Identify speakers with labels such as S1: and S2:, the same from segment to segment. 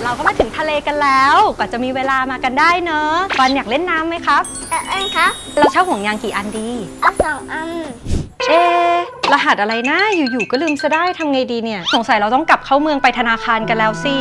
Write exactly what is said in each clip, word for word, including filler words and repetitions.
S1: เราก็มาถึงทะเลกันแล้วกว่าจะมีเวลามากันได้เนอะปอนอยากเล่นน้ำไหมครับ
S2: แต่เอ็นครับ
S1: เราเช่าห่วงยางกี่อันดี
S2: เอาสองอัน
S1: เอะรหัสอะไรนะอยู่ๆก็ลืมซะได้ทำไงดีเนี่ยสงสัยเราต้องกลับเข้าเมืองไปธนาคารกันแล้วสิ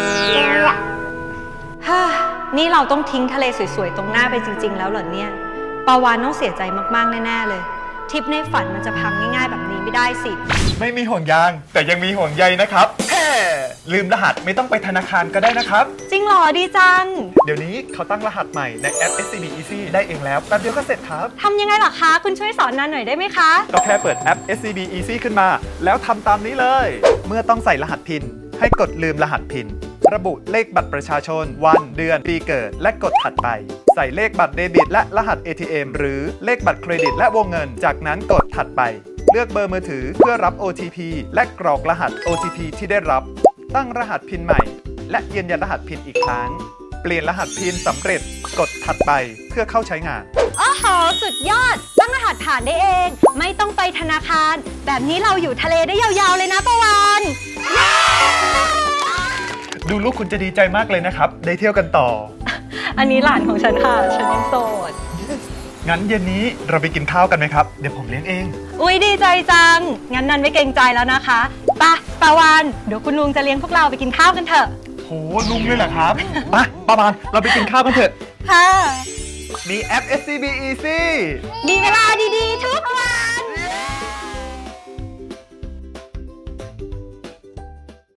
S1: ฮ่านี่เราต้องทิ้งทะเลสวยๆตรงหน้าไปจริงๆแล้วเหรอเนี่ยปาวานต้องเสียใจมากๆแน่ๆเลยทริปในฝันมันจะพังง่ายๆแบบนี้ไม่ได้สิ
S3: ไม่มีห่วงยางแต่ยังมีห่วงใยนะครับแฮ่ลืมรหัสไม่ต้องไปธนาคารก็ได้นะครับ
S1: จริงเหรอดีจัง
S3: เดี๋ยวนี้เขาตั้งรหัสใหม่ในแอป เอส ซี บี Easy ได้เองแล้วแป๊บเดียวก็เสร็จครับ
S1: ทำยังไงล่ะคะ คุณช่วยสอนนันหน่อยได้ไหมคะ
S3: ก็แค่เปิดแอป เอส ซี บี Easy ขึ้นมา แล้วทำตามนี้เลย เมื่อต้องใส่รหัสพินให้กดลืมรหัสพินระบุเลขบัตรประชาชนวันเดือนปีเกิดและกดถัดไปใส่เลขบัตรเดบิตและรหัส เอ ที เอ็ม หรือเลขบัตรเครดิตและวงเงินจากนั้นกดถัดไปเลือกเบอร์มือถือเพื่อรับ โอ ที พี และกรอกรหัส โอ ที พี ที่ได้รับตั้งรหัสพินใหม่และยืนยันรหัสพินอีกครั้งเปลี่ยนรหัสพินสำเร็จกดถัดไปเพื่อเข้าใช้งาน
S1: โอ้โหสุดยอดตั้งรหัสผ่านได้เองไม่ต้องไปธนาคารแบบนี้เราอยู่ทะเลได้ยาวๆเลยนะปาวานเย้
S3: ดูลูกคุณจะดีใจมากเลยนะครับได้เที่ยวกันต่อ
S1: อันนี้หลานของฉันค่ะฉันยังโสด
S3: งั้นเย็นนี้เราไปกินข้าวกันไหมครับเดี๋ยวผมเลี้ยงเอง
S1: อุ้ยดีใจจังงั้นนันไม่เกรงใจแล้วนะคะไปปาวานเดี๋ยวคุณลุงจะเลี้ยงพวกเราไปกินข้าวกันเถอะ
S3: โหลุงเลยเหรอครับ มาประมาณเราไปกินข้าวกันเถอะ
S1: ค่ะ
S3: มีแอป เอส ซี บี Easy
S1: มีเวลาดีๆทุกวัน